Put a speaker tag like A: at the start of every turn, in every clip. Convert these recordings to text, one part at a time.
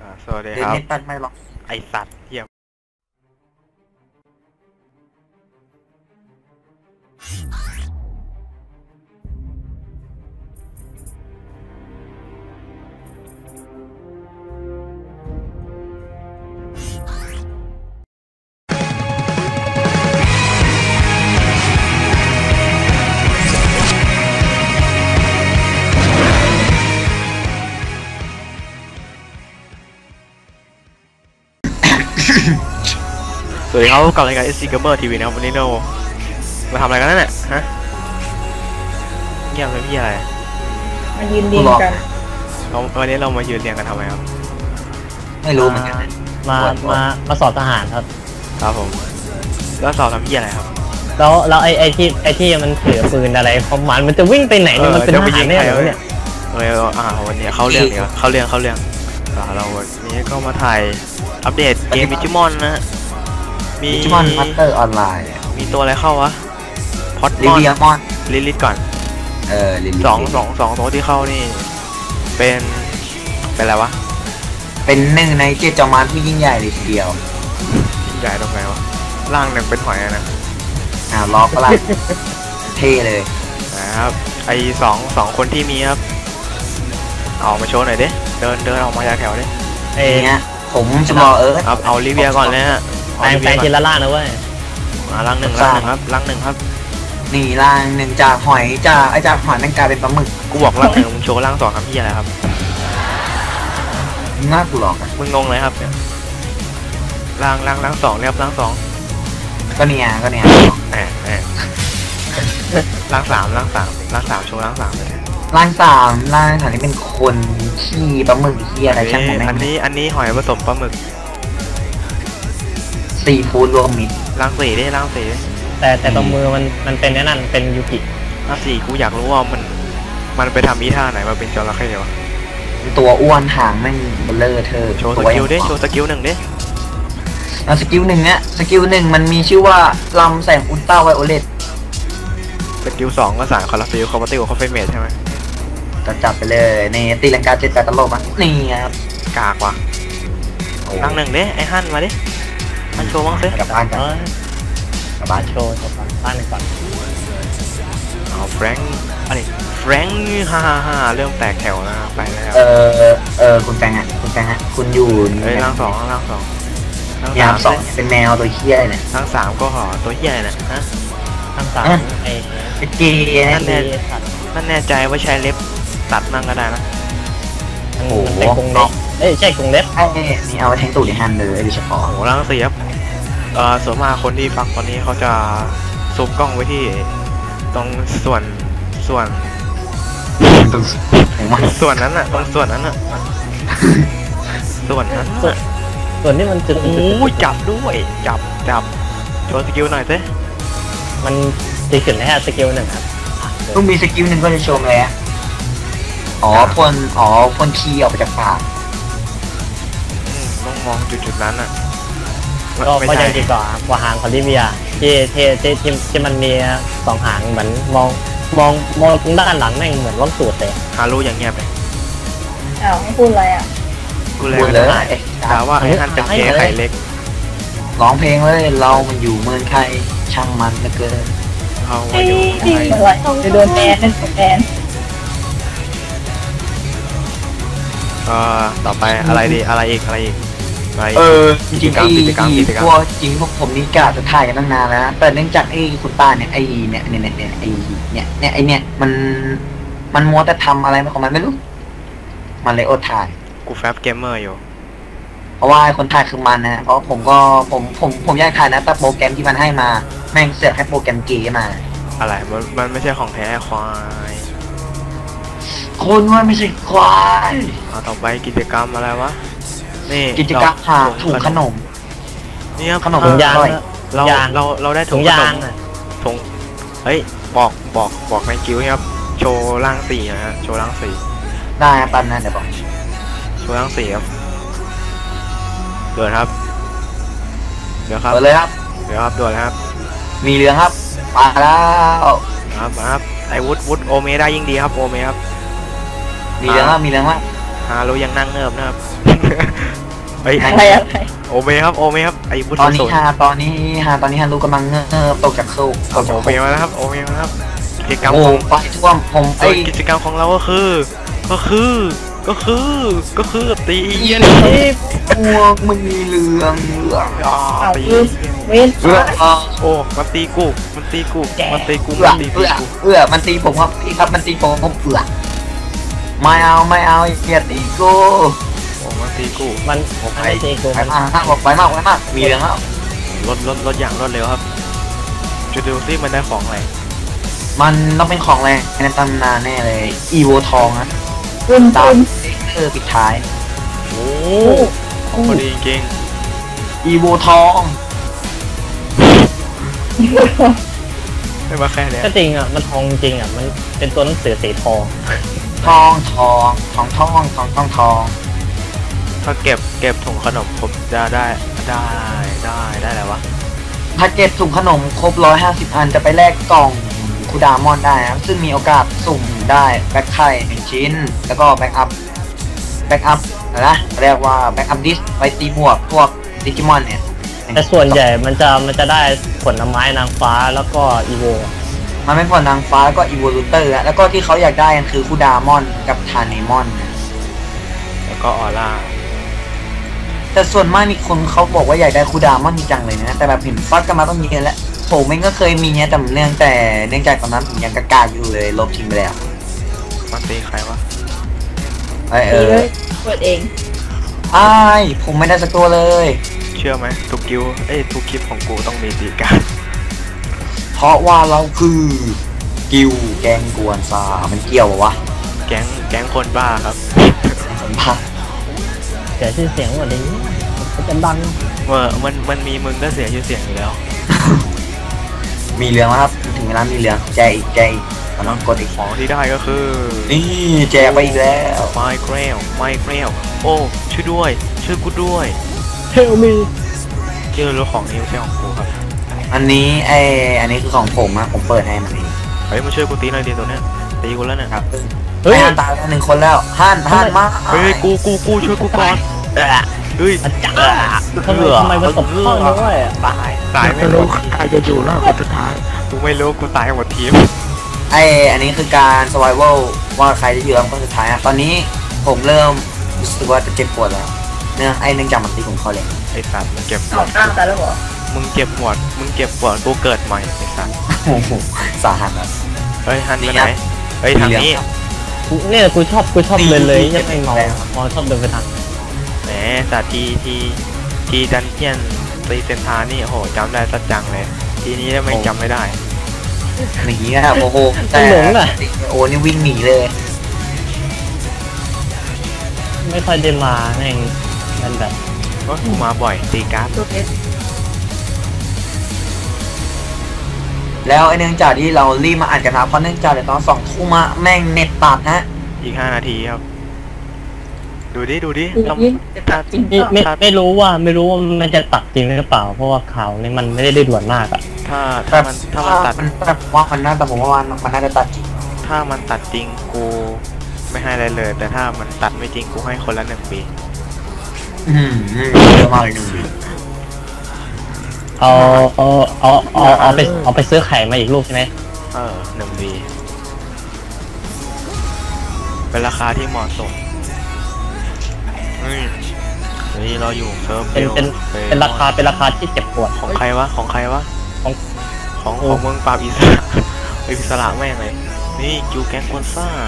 A: สวัสดี
B: เดิ
A: ครับ
B: นเน็ตปันไม่หรอก
A: ไอสัตว์เหี้ยสวัสดีครับกับรายการ SC Gamer TV นะครับวันนี้เรามาทำอะไรกันนั่นแหละฮะเงียบเลยพี่อะไร
C: มายืนเรียงกัน
A: วันนี้เรามายืนเรียงกันทำไมครับ
B: ไม่รู้เหมือนกันนะ
D: มาสอบทหารครับ
A: ครับผมแล้วสอบทำพี่อะไรครับ
D: แล้วไอ้ที่มันถือปืนอะไรของมันจะวิ่งไปไหนเนี่ยมันเป็นทหารแน่เลยเนี่ย
A: วันนี้เข้าเรื่องเนี่ยเข้าเรื่องเราวันนี้ก็มาถ่ายอัปเดตเกมมิจิมอนนะฮะมี
B: จิมอนพัตเตอร์ออนไลน์
A: มีตัวอะไรเข้าวะพอด
B: ลิ
A: มอน
B: เลียมอน
A: ลิลิตก่อน
B: ลิเลีย
A: สองตัวที่เข้านี่เป็นอะไรวะ
B: เป็นหนึ่งในเจ็ดจอมมารผู้ยิ่งใหญ่เลยทีเดียว
A: ใหญ่ตรงไหนวะร่างหนึ่งเป็นหอยอะนะ
B: ล็อกก็ละเท่เลย
A: นะครับไอสองคนที่มีครับเอามาโชว์หน่อยดิเดินออกมาจากแถวดิ
D: ไอ้
B: เนี้ยผมจะรอ
A: ครับเอาลิเวียก่อนเลยฮะ
D: แปลงทีละล่างนะเว้ย
A: ร่างหนึ่งครับร่างหนึ่งครับ
B: นี่ร่างหนึ่งจากหอยจากหอยนั่นกลายเป็นปลาหมึก
A: กูบอกร่างหนึ่งมึงโชว์ร่างสองครับพี่อะไรครับ
B: น่ากูหลอกอะ
A: มึงงงเลยครับเนี่ยร่างสองเรียบร่างสอง
B: ก็เนี่ย
A: แหมร่างสามโชว์ร่างสามเลย
B: ร่างสามนี่เป็นคนขี้ปลาหมึกขี้อะไรช่างผมแม่
A: อันนี้หอยผสมปลาหมึก
B: ซีฟู้ดรวมมิตร
A: ร่างสี่ร่างสี่
D: แต่ตรงมือมันเป็นนั่นเป็นยูกิ
A: ร่างสี่กูอยากรู้ว่ามันไปทำอีท่าไหนมาเป็นจระเข้วะ
B: ตัวอ้วนหางแม่งเบลเลอร์เธอ
A: โชว์สกิลดิโชว์สกิลหนึ่งดิ
B: สกิลหนึ่งมันมีชื่อว่าลำแสงอุลตราไวโอเลต
A: สกิลสองก็สายคอร์ฟิลคอมบัติคอฟเฟเมทใช่ไหม
B: ก็จับไปเลยในตีลังกาเจ็ดแปดตลบอ่ะนี่ครับ
A: กากว่ะร่างหนึ่งดิไอ้ฮั่นมาดิมันโชว์บ้างสิ
B: กลับบ้านกันกลับบ้าน
D: โชว์บ้านก่อน
A: เอาแฟรงค์อะไรแฟรงค์ฮ่าเริ่มแตกแถวแล้วไปแล้ว
B: คุณแฟงคุณอยู่
A: เฮ้ยร่างสอง
B: ยามสองเป็นแมวตัวเคี้ยเนี่ย
A: ร่างสามก็ห่อตัวเหี้ยนะฮะ
D: ทั้งสามไอ้
B: เป็นเกย์
A: นั่นแน่ใจว่าใช้เล็บตัดนั่งก็ได้นะ
D: มันเป็นกรงเล็บใช่กรงเล็บ
B: ไอ้นี่เอาไว้แทงตูดในฮันเลยโดยเฉพาะ
A: โอ้ร่างสี่ครับส่วนมากคนที่ฟังตอนนี้เขาจะซูมกล้องไว้ที่ตรงส่วนนั้นน่ะตรงส่วนนั้นน่ะส่วนนั้น
D: ส่วนที่มันจุด
A: โอ้ยจับด้วยจับโชว์สกิลหน่อยสิ
D: มันจะขึ้นแล้วสกิลหนึ่งครับ
B: ต้องมีสกิลหนึ่งก็จะชมเลยพ่นขี้ออกไปจากปาก
A: ต้องมองจุดนั้นน่ะ
D: ก็ยังดีกว่าหางของลิเวียที่มันมีสองหางเหมือนมองด้านหลังแม่งเหมือนล่องสูตรเลย
A: ฮารุอย่างเงียบเลย
C: อ้าวไม่พูดอะไรอ่ะ
A: กูเลย
B: พูดเลย
A: แต่ว่าไอ้ท่านเป็นเกย์ไข่เล็ก
B: ร้องเพลงเลยเรามันอยู่เมืองไทยช่างมันเหลือเกิน
A: เขา
C: เฮ้
A: มาย อยู่ไทย
C: อะไรจะโดนแบน
A: ต่อไปอะไรดีอะไรอีก
B: จริงๆพวกผมนี่กะจะถ่ายกันตั้งนานแล้วนะแต่เนื่องจากไอ้คุณป้าเนี่ยมันมัวแต่ทำอะไรของมันไม่รู้มันเลยอดถ่าย
A: กูแฟบเกมเมอร์อยู่
B: เพราะว่าคนถ่ายคือมันนะเพราะผมอยากถ่ายนะแต่โปรแกรมที่มันให้มาแม่งเสือกให้โปรแกรมเก๋มา
A: อะไรมันไม่ใช่ของแท้ควาย
B: คนว่าไม่ใช่ควาย
A: เอาต่อไปกิจกรรมอะไรวะนี่
B: กิจกรรมหาถุงขนม
A: นี่ครับ
B: ขนม
D: ถุงยาง
A: เราได้ถุ
D: ถุ
A: ง
D: ง
A: ข
D: ยาน ง
A: มถุงเฮ้ยบอกในกิ้วครับโชว์ร่างสี่นะฮะโชว์ร่างสี่
B: ได้ปันนะเดี๋ยวบอก
A: โชว์ร่างสี่ครับเดือดครับเดี๋ยวครับ
B: เปิดเลยครับ
A: เดี๋ยวครับด่วนครับ
B: มีเรื่องครับมาแล้ว
A: ครับไอ้วุฒโอเมได้ยิ่งดีครับโอเมครับ
B: มีเรื่องว่า
A: ฮารุยังนั่งเงิบนะครับเฮ้ย
C: อะไรอะไร
A: โอเมครับโอเมครับไอ้พุทธ
B: ตอนนี้
A: โสด
B: ตอนนี้ฮารุกำลังตกจากตกจาก
A: โอเมมาแล้วครับโอเมมาแล้วครับกิจกรรม
B: โอ้
A: ของ
B: ไฟท่วมผม
A: กิจกรรมของเราก็คือตีเอี้ยน
B: พวกมึงมีเรื่อง
C: เอา
A: ตี
C: ลืมเว้น
A: โอ้มันตีกูมันตีกู มันตีกู
B: มันตีผมครับพี่ครับมันตีผมไม่เอาอย่าตีกู
A: โอ้มันตีกู
D: มันไม่ตีกู
B: ไป
D: มัน
B: มากมีเรื่องแล้ว
A: รถอย่างรวดเร็วครับจะดูซิมันได้ของอะไร
B: มันต้องเป็นของแรงในตำนานแน่เลยอีโวทองนะ
C: คุณ
B: ตา
C: คุ
B: ม
C: ณ
B: ปิดท้าย
A: โอ้ของพอดีจริง
B: อีโวทอง
A: ไม่มาแค่เนี้ย
D: ก็จริงอ่ะมันทองจริงอ่ะมันเป็นตัวหนังสือสีทอง
B: ทอง
A: ถ้าเก็บถุงขนมผมจะได้อะไรวะ
B: ถ้าเก็บถุงขนมครบ150อันจะไปแลกกล่องคูดามอนได้นะครับซึ่งมีโอกาสสุ่มได้แบ็คไข่1ชิ้นแล้วก็แบ็คอัพนะเรียกว่าแบ็คอัพดิสไปตีบวกพวกดิจิมอนเนี่ย
D: แต่ส่วนใหญ่มันจะได้ผลไม้นางฟ้าแล้วก็อีโว
B: มันไม่พอนางฟ้าแล้วก็อีโวลูเตอร์แล้วก็ที่เขาอยากได้กันคือคูดามอนกับทาเนมอน
A: แล้วก็ออร่า
B: แต่ส่วนมากมีคนเขาบอกว่าอยากได้คูดามอนจริงจังเลยนะแต่แบบเห็นฟัดกันมาต้องเยอะแล้วผมเองก็เคยมีเนี่ยแต่เนื่องจากตอนนั้นผมยังกล้าอยู่เลยลบทิ้งไปแล้ว
A: มันตีใครวะ
C: ตีเลยเปิดเอง
B: อ้ายผมไม่ได้สักตัวเลย
A: เชื่อไหมทุกทุกคลิปของกูต้องมีตีการ
B: เพราะว่าเราคือกิวแกงกวนซามันเกี่ยววะ
A: แก๊งคนบ้าครับ
B: สัมผัส
D: เสียชื่อเสียงหมดเลยมันจะดัง
A: มันมีมึงก็เสียชื่อเสียงอยู่แล้ว
B: มีเรื่องแล้วครับถึงเวลามีเรื่องแจกอีกมันต้องกดอีก
A: ของที่ได้ก็คือ
B: นี่แจกไปอีกแล้ว
A: ไมเกรลโอ้ช่วยด้วยช่วยกูด้วย
D: เทลมี
A: เจอรถของนี้ไม่ใช่ของกูครับ
B: อันนี้อันนี้คือของผมอะผมเปิดให้มันเอง
A: เฮ้ยมาช่วยกูตีหน่อยดิตัวเนี้ยตีกูแล้วเนี่ย
B: ครับ
D: เฮ้ย
B: ให้ฮันตายแล้ว1 คนแล้วฮันมา
A: เฮ้ยกูช่วยกูก่อนเฮ้ย
D: ทำไมมันตบเข้าด้วยอ่ะ
A: ตายไม่รู้ใครจะอยู่รอดคนสุดท้ายกูไม่รู้กูตายหมดทีม
B: อันนี้คือการ survival ว่าใครจะอยู่ลำคนสุดท้ายอะตอนนี้ผมเริ่มรู้สึกว่าจะเจ็บปวดแล้วเนื่องจากมันตีผมเขาเลย
A: ไอ้สัตว์มึงเก็บหม
C: เอา
A: ด
C: ตามแต่แล้วเหรอ
A: มึงเก็บหมดกูเกิดใหม่ไอ้สัตว์
B: โอ้โหสาหัสครับ
A: เฮ้ยฮันไปไหนเฮ้ยทางนี้
D: เนี่ยกูชอบเลยยังไม่เมาชอบเดินไปทาง
A: แหมสัตว์ทีดันเจียนตีเซนทานี่โหจำได้สัจจังเลยทีนี้ไม่จำไม่ได้
B: หนีอะโอ้โหแต่โอ้นี่วิ่งหนีเลย
D: ไม่ค่อยได้มาแม่งมันแบบ
A: ก็กูมาบ่อยตีการ์ด
C: ตัวเอส
B: แล้วเนื่องจากที่เรารีบมาอ่านกันนะเพราะเนื่องจากเดี๋ยวตอน2 ทุ่มแม่งเน็ตตัดฮะ
A: อีก5 นาทีครับดูดิ
C: ดูยิ่งจะตัดจริงเปล่า
D: ไม่รู้ว่ามันจะตัดจริงหรือเปล่าเพราะว่าข่าวนี่มันไม่ได้ด่วนมากอ่ะ
A: ถ้ามันตัด
B: มันแบบว่ามันน่าแต่ผมว่ามันน่าจะตัดจริง
A: ถ้ามันตัดจริงกูไม่ให้อะไรเลย แต่ถ้ามันตัดไม่จริงกูให้คนละ1 ปี
B: เยอะมากเลย1 ปี
D: เอาไปซื้อไข่มาอีกลูกใช่ไหม
A: 1 ปีเป็นราคาที่เหมาะสมเฮ้ยเราอยู่เซิร์ฟ
D: เป็นราคาที่เจ็บปวด
A: ของใครวะของมึงปราบอิสระอิสระแม่งเลยนี่กิวแก๊งคอนซ่า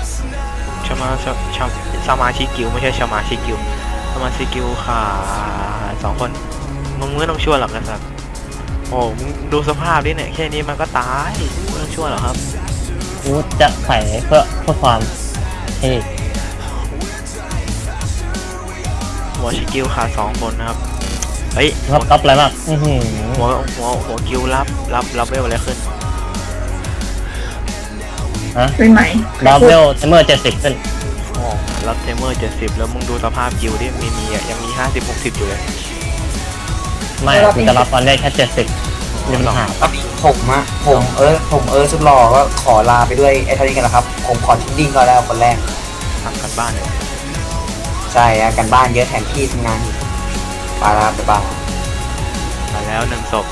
A: สมาชิกกิวไม่ใช่สมาชิกกิวสมาชิกกิวขา2 คนมึงไม่ต้องช่วยหรอกนะครับโอ้มึงดูสภาพดิเนี่ยแค่นี้มันก็ตายไม่ต้องช่วยหรอกครับ
D: กูจะใส่เพื่อความเท่
A: หัวชิกิวขา2 คนนะครับเฮ้ย
D: รับอะไรมาก
A: หัวกิวรับเวลอะไรขึ้น
D: ฮะ
C: เป็นไหม
D: ดับเบิลเทมเมอร์70ขึ้น
A: อ๋อรับเทมเมอร์70แล้วมึงดูสภาพกิวดิมียังมี50-60อยู่เลย
D: ไม่กูจะรับตอนแรกแค่70มีปัญหา
B: ผมสุดหล่อก็ขอลาไปด้วยไอ้เท่านี้กันนะครับผมขอทิ้งดิ้งก็แล้วคนแรก
A: ทำกันบ้านเลย
B: ใช่อะกันบ้านเยอะแทนที่ทำงานอีกไปแล้วบ๊ายบาย
A: มาแล้วหนึ่งศพ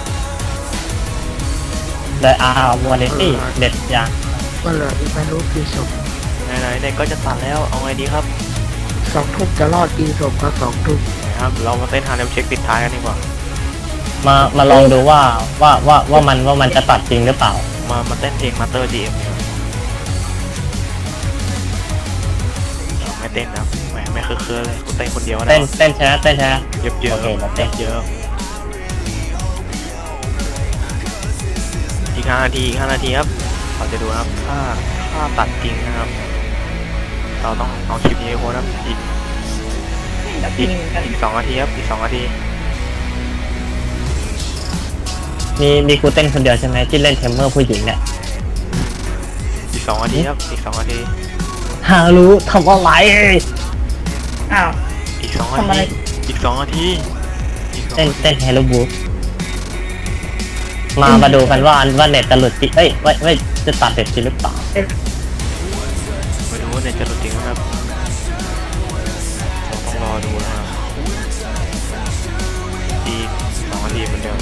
D: ได้วาเลนตี้เด็ดยาง
E: ก็เหลืออีกไม่รู้กี่ศพ
A: ไหนๆเด็กก็จะตัดแล้วเอาไงดีครับ
E: 2 ทุ่มจะรอดกี่ศพก็2 ทุ่ม
A: นะครับเรามาเต้นฮาร์เลมเช็คปิดท้ายกันดีกว่า
D: มาลองดูว่ามันจะตัดจริงหรือเปล่า
A: มาเต้นเพลงมาเตอร์จีเอ็มไม่เต้นนะแหมไม่เคยเลยกูเต้นคนเดียวนะ
D: เต้นใช่ไหมเต้นใช่ไหม
A: เยอะๆ
D: โอเคเราเต้น
A: เยอะอีก5 นาทีครับเราจะดูนะครับถ้าตัดจริงนะครับ เราต้องเอาคลิปนี้ไปโพสต์ครับอีก2 นาทีครับอีก2 นาที
D: มีกูเต้นคนเดียวใช่ไหมที่เล่นเทมเมอร์ผู้หญิงเนี่ย
A: อีก2 นาทีครับอีก2 นาที
D: ฮารู้ทำอะไร
C: อ้าว
A: อีก2 นา
C: ทำอะไร
A: ทีอีก2 นาทีอีก2
D: เต้นเฮลโลบูมาดูกันว่าเน็ตจะหลุดจริงเอ้ยไม่จะตัดเด็ดจริงหรือเปล่า
A: ไม่รู้ว่าเนี่ยจะหลุดจริงไหมครับเราต้องรอดูนะครับอีก2 นาทีเหมือนเดิม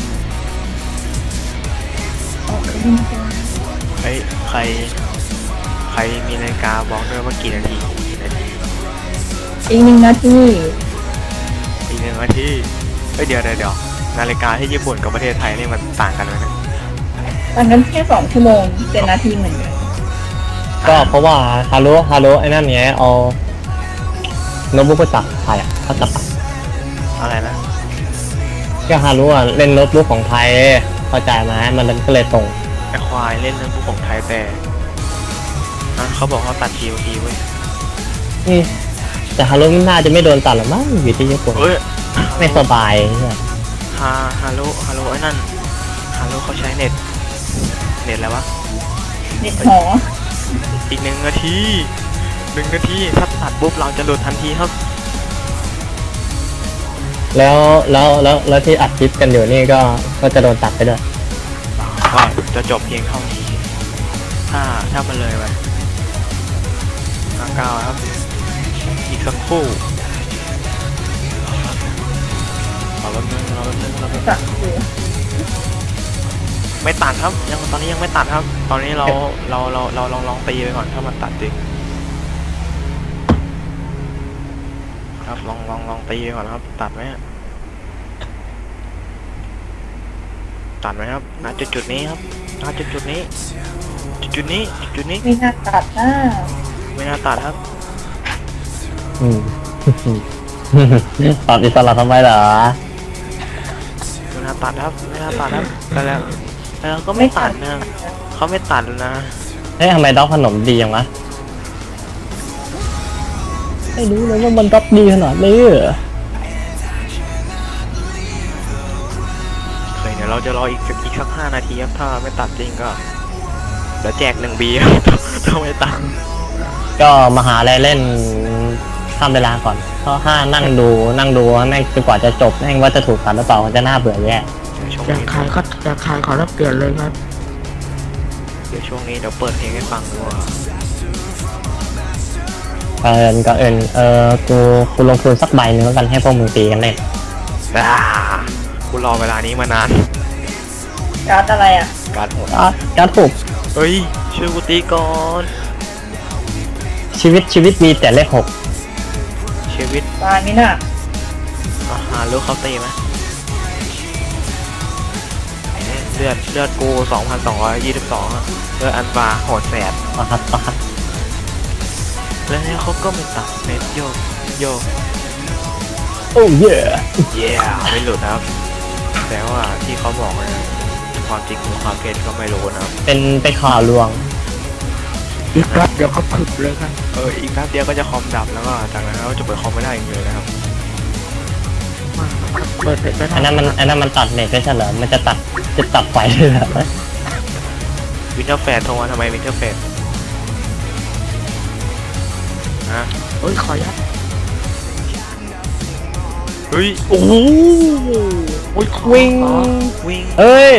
A: เฮ้ยใครมีนาฬิกาบอกด้วยว่ากี่นาที
C: อีก1 นาที
A: อีก1 นาทีเฮ้ยเดี๋ยวนาฬิกาที่ญี่ปุ่นกับประเทศไทยนี่มันต่างกันไหมเนี่ย
C: ต่างกันแค่2 ชั่วโมงเป็นนาทีเหมือนกัน
D: ก็เพราะว่าฮารุไอ้นั่นเนี้ยเอาโน้ตบุ๊กภาษาไทยเขาจะปัด
A: อะไรนะ
D: ก็ฮารุเล่นโน้ตบุ๊กของไทยเข้าใจไหมมันก็เลยตรง
A: ไอควายเล่นเรื่องพวกของไทยแต่เขาบอกเขาตัด TOT เว้ย
D: แต่ฮารุน่าจะไม่โดนตัดหรอกมั้งอยู่ที่ญี่ปุ่น
A: เฮ้ย
D: ไม่สบายเนี่ย
A: ฮาโลไอ้นั่นฮาโลเขาใช้เน็ตอะไรวะ
C: เน็ตหอ
A: อีก1 นาทีถ้าตัดปุ๊บเราจะหลุดทันทีครับ
D: แล้วที่อัดคลิปกันอยู่นี่ก็จะโดนตัดไปด้วย
A: ก็จะจบเพียงเท่านี้ถ้ามันเลยไป59ครับอีกสักครู่รอแป๊บนึง
C: ตัดอยู่
A: ไม่ตัดครับตอนนี้ยังไม่ตัดครับ ตอนนี้เราลองตีไปก่อนถ้ามันตัดจริงครับลองตีไปก่อนครับตัดไหมครับณจุดนี้ครับณจุดนี้
C: ไม่น่าตัดนะ
A: ไม่น่าตัดครับ
D: ตอบอิสระทำไมเหรอ
A: ไม่น่าตัดครับแล้วก็ไม่ตัดนะเขาไม่ตัดนะ
D: เฮ้ยทำไมด็อกขนมดีอย่างวะไม่รู้เลยว่ามันด็อกดีขนาดนี้เหรอ
A: เดี๋ยวเราจะรออีกสัก5 นาทีครับถ้าไม่ตัดจริงก็เดี๋ยวแจก1 บีครับถ้าไม่ตัด
D: ก็มาหาอะไรเล่นทำเวลาก่อนเพราะนั่งดูแม่งจนกว่าจะจบแม่งว่าจะถูกตัดหรือเปล่ามันจะน่าเบื่อแย่
E: อยากขายขอรับเปลี่ยนเลยครับ
A: เดี๋ยวช่วงนี้เดี๋ยวเปิดเพลงให้ฟังดูว่า
D: กูลงทุนสักใบนึงแล้วกันให้พวกมึงตีกันเล่น
A: กูรอเวลานี้มานาน
C: การ์ดอะไรอ่ะ
A: การหมด
D: การถูก
A: เฮ้ยช่วยกูตีก่อน
D: ชีวิตมีแต่เลข
A: ชีวิต
C: ตายไหมน่ะ
A: หาลูกเขาตีไหมเลือดกู 2,222อะเลือดอันบาโหดแสบ
D: 6ครับ
A: แล้วเขาก็ไม่ตัดเน็ตโยก
D: โอ้เย่
A: ไม่หลุดนะครับ แต่ว่าที่เขาบอกนะความจริงหรือความเท็จก็ไม่รู้นะครับ
D: เป็นข่าวลวง
E: อีกแป๊บเดี๋ยวเขาผึบเลยครับ
A: อีกแป๊บเดียวก็จะคอมดับแล้วก็จากนั้นเราจะเปิดคอมไม่ได้อีกเลยนะครับ
E: เปิดเสร็จไป
D: อันนั้นมันตัดเน็ตไม่ใช่เหรอมันจะตัดไฟเลยเหรอ
A: วินเทอร์แฟดโทรมาทำไมวินเทอร์แฟดฮะ
E: เฮ้ยขอยัด
A: เฮ้ยโอ้โห
E: โอ้ย
A: วิ่ง
D: เฮ้ย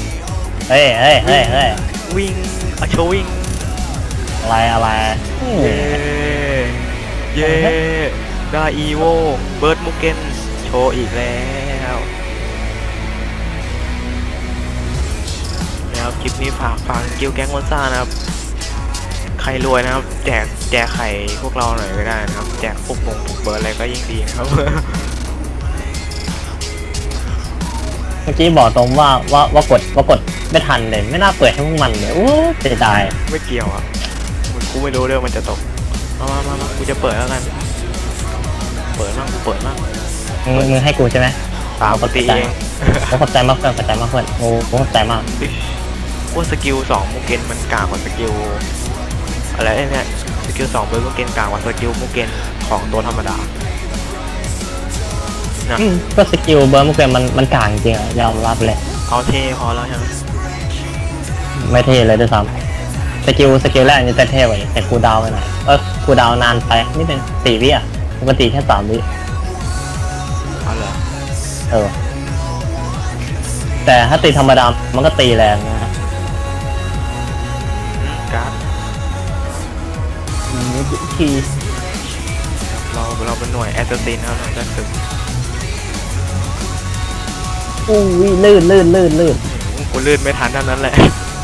A: วิ่งอะโชวิ่ง
D: อะไร
A: เย่ได้อีโวเบิร์ดมุกเกนโชว์อีกแล้วแล้วคลิปนี้ฝากฟังกิลแก๊งมอนซ่านะครับใครรวยนะครับแจกไข่พวกเราหน่อยก็ได้นะครับแจกพวกพวกเบิร์ดอะไรก็ยิ่งดีนะครับ
D: เมื่อกี้บอกตรงว่ากดไม่ทันเลยไม่น่าเปิดให้พวกมันเลยโอ้เสียดาย
A: ไม่เกี่ยวอ่ะกูไม่รู้เรื่องมันจะตกมากูจะเปิดแล้วกันเปิดมั่ง
D: มึงให้กูใช่ไหม
A: ปกติเอง
D: ขอบใจมากเพื่อนขอบใจมากเพื่อนโอ้ขอบใจมาก
A: ว่าสกิล2มุกเกนมันกากกว่าสกิลอะไรเนี่ยสกิล2เบิร์ดมุกเกนกากกว่าสกิลมุกเกนของตัวธรรมดานะ
D: ก็สกิลเบิร์ดมุกเกนมันกลางจริงอะยอมรับเลย
A: เอาเท่พอแล้วใช่ไหม
D: ไม่เท่เลยด้วยซ้ำสกิลแรกนี่แต่เท่กว่าแต่คูลดาวน์ไปหน่อยคูลดาวน์นานไปนิดนึง4 วิอ่ะปกติแค่3 วิ
A: เอาเหรอ
D: แต่ถ้าตีธรรมดามันก็ตีแรงนะ
A: การ์ด
D: ที
A: เราเป็นหน่วยแอสซัสซินครับหน่วยจักรศึก
D: อู้ยลื่น
A: กูลื่นไม่ทันเท่านั้นแหละ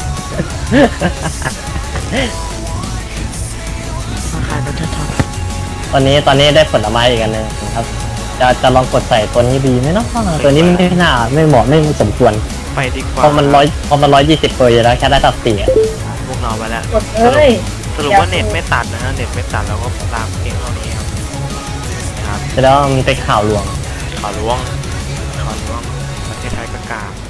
E: มาขายมันจะท
D: ตอนนี้ได้ผลไม้อีกอันหนึงครับจะลองกดใส่ตัวนี้ดีไหมเนาะตัวนี้ไม่น่าไม่เหมาะไม่สมควร
A: ไปดีกว่า
D: เพราะมัน120ตัวอยู่แล้วแค่ได้ตัด4อะ
A: พวกเราไปแล้ว
C: กดเลย
A: สรุปว่าเน็ตไม่ตัดนะฮะเน็ตไม่ตัดเราก็ตามเพียงเท่านี้ครับนะครับ
D: แต่แล้วมันเป็นข่าวลวง
A: ข่าวล้วงประเทศไทยก็กาก